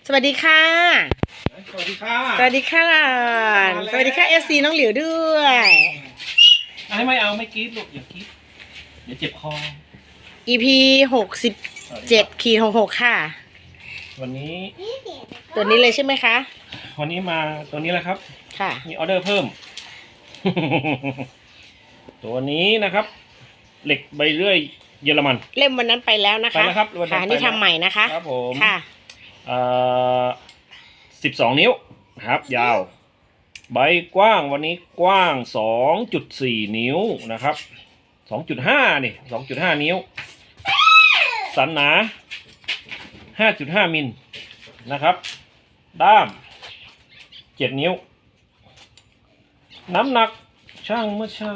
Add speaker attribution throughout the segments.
Speaker 1: สวัสดีค่ะ
Speaker 2: สวัสดีค่ะ
Speaker 1: สวัสดีค่ะสวัสดีค่ะFCน้องหลิวด้วย
Speaker 2: ไม่เอาไม่กรี๊ดลูกอย่ากรี๊ดเดี๋ยวเจ็บคอ
Speaker 1: EP 67/66ค่ะ
Speaker 2: วันนี้
Speaker 1: ตัวนี้เลยใช่ไหมคะ
Speaker 2: วันนี้มาตัวนี้แหละครับ
Speaker 1: ค่ะ
Speaker 2: มีออเดอร์เพิ่ม ตัวนี้นะครับเหล็กใบเลื่อยเยอรมัน
Speaker 1: เล่มวันนั้นไปแล้วนะคะ
Speaker 2: ไปแล้วครับวันนั้น
Speaker 1: ค่ะนี่ทำใหม่นะคะ
Speaker 2: ครับผม
Speaker 1: ค่ะ
Speaker 2: 12 นิ้วนะครับยาวใบกว้างวันนี้กว้าง 2.4 นิ้วนะครับ 2.5 นี่ 2.5 นิ้วสันหนา 5.5 มิลนะครับด้าม 7 นิ้วน้ำหนักช่างเมื่อเช้า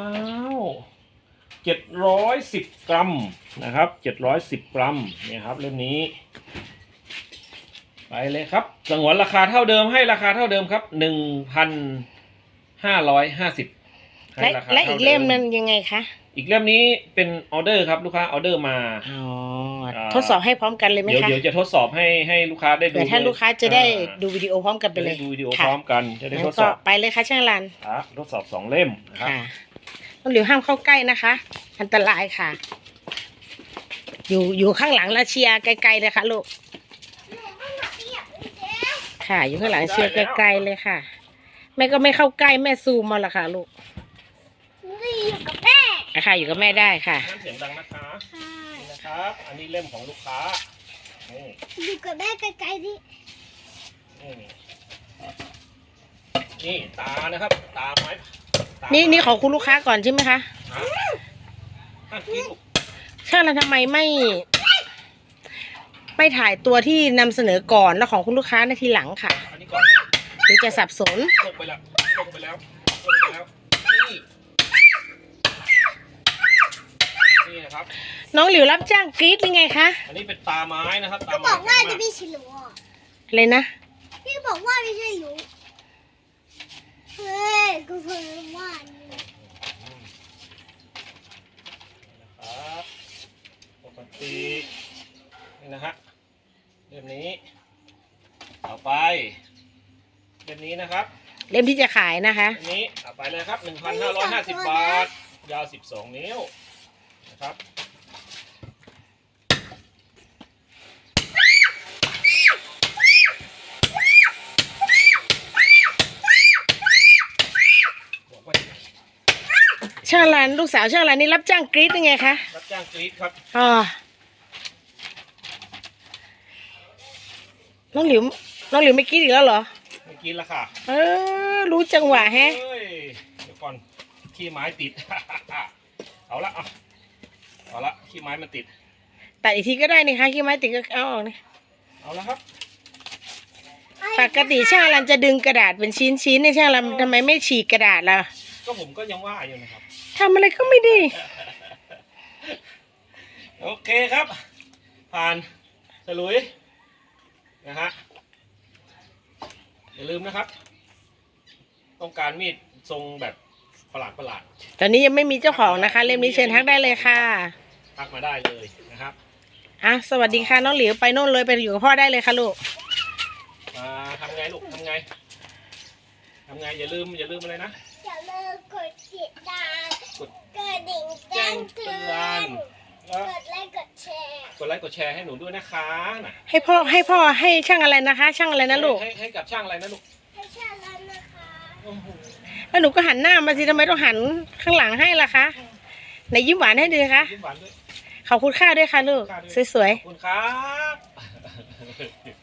Speaker 2: 710 กรัมนะครับ710 กรัมเนี่ยครับเล่มนี้ไปเลยครับสงวนราคาเท่าเดิมให้ราคาเท่าเดิมครับ 1,550
Speaker 1: และอีกเล่มนั้นยังไงคะ
Speaker 2: อีกเล่มนี้เป็นออเดอร์ครับลูกค้าออเดอร์มา
Speaker 1: ทดสอบให้พร้อมกันเลยไหมคะ
Speaker 2: เดี๋ยวจะทดสอบให้ลูกค้าได้ดู
Speaker 1: เดี๋ยวถ้าลูกค้าจะได้ดูวิดีโอพร้อมกันไปเลย
Speaker 2: ดูวิดีโอพร้อมกันจะได้ทดสอบ
Speaker 1: ไปเลยค่ะช่างรัน
Speaker 2: ทดสอบ2 เล่มนะครับ
Speaker 1: น้องหลิวห้ามเข้าใกล้นะคะอันตรายค่ะอยู่ข้างหลังแล้วเชียร์ไกลๆเลยค่ะลูกค่ะอยู่ข้างหลังเชียร์ไกลๆเลยค่ะแม่ก็ไม่เข้าใกล้แม่ซูมมาละค่ะลูก
Speaker 3: อยู่กับแม่
Speaker 1: ค่ะอยู่กับแม่ได้ค่ะ
Speaker 2: เสียงดังนะคะนะครับอันนี้เล่มของลูกค้า
Speaker 3: อยู่กับแม่ไกลๆดิ
Speaker 2: นี่ตานะครับตาไม้
Speaker 1: นี่ของคุณลูกค้าก่อนใช่ไหมคะช่างเราทำไมไม่ถ่ายตัวที่นำเสนอก่อนแล้วของคุณลูกค้าในทีหลังค่ะหรือจะสับสน
Speaker 2: ลงไปแล้วนี่นะครับ
Speaker 1: น้องหลิวรับจ้างกรี๊ดยังไงคะ
Speaker 2: อันนี้เป็นตาไม้นะครับ
Speaker 3: ก็บอกว่าจะไม่ใช่หนู
Speaker 1: เลยนะ
Speaker 3: พี่บอกว่าไม่ใช่หนูเฮ้ยก็เพิ่งว่า
Speaker 2: นะครับปกตินี่นะฮะเล่มนี้ต่อไปเล่มนี้นะครับ
Speaker 1: เล่มที่จะขายนะคะ
Speaker 2: เล่มนี้ต่อไปเลยครับ 1,550 บาทยาว12 นิ้วนะครับ
Speaker 1: ช่างรันลูกสาวช่างรันนี่รับจ้างกรี๊ดยังไงคะ
Speaker 2: รับจ้างกรี๊ดครับ
Speaker 1: น้องหลิวไม่กรี๊ดอีกแล้วเหรอ
Speaker 2: ไม่กรี๊ดแล้วค่ะ
Speaker 1: รู้จังหวะแฮะ
Speaker 2: เดี๋ยวก่อนขี้ไม้ติด เอาละขี้ไม้มันติด
Speaker 1: ตัดอีกทีก็ได้นี่คะขี้ไม้ติดก็เอาออกนี่
Speaker 2: เอาละครับ
Speaker 1: ปกติช่างรันจะดึงกระดาษเป็นชิ้นในช่างรันทำไมไม่ฉีกกระดาษล่ะ
Speaker 2: ก็ผมก็ยังว่าอยู่นะครับ
Speaker 1: ทำอะไรก็ไม่ดี
Speaker 2: โอเคครับผ่านฉลุยนะฮะอย่าลืมนะครับต้องการมีดทรงแบบประหลาด
Speaker 1: ตอนนี้ยังไม่มีเจ้าของนะคะเล่มนี้เชิญทักได้เลยค่ะ
Speaker 2: ทักมาได้เลยนะครับ
Speaker 1: สวัสดีค่ะน้องหลิวไปโน่นเลยไปอยู่กับพ่อได้เลยค่ะลูก
Speaker 2: ทำไงลูกทำไงอย่าลืมอะไรนะ
Speaker 3: อย่าลืมกดติดตามกดกระดิ่งแจ้งเตือนกดไลค์ก
Speaker 2: ดแชร์ให้หนูด้วยนะคะ
Speaker 1: ให้พ่อให้ช่างอะไรนะคะช่างอะไรนะลูก
Speaker 2: ให้กับช่างอะไรนะลูก
Speaker 3: ให้ช่างอะไรนะคะ
Speaker 1: แล้วหนูก็หันหน้ามาสิทำไมต้องหันข้างหลังให้ล่ะคะไหนยิ้มหวานให้ดูคะ
Speaker 2: ยิ้มหวานด้วย
Speaker 1: ขอบคุณค่าด้วยค่ะลูกสวยๆ
Speaker 2: ขอบคุณครับ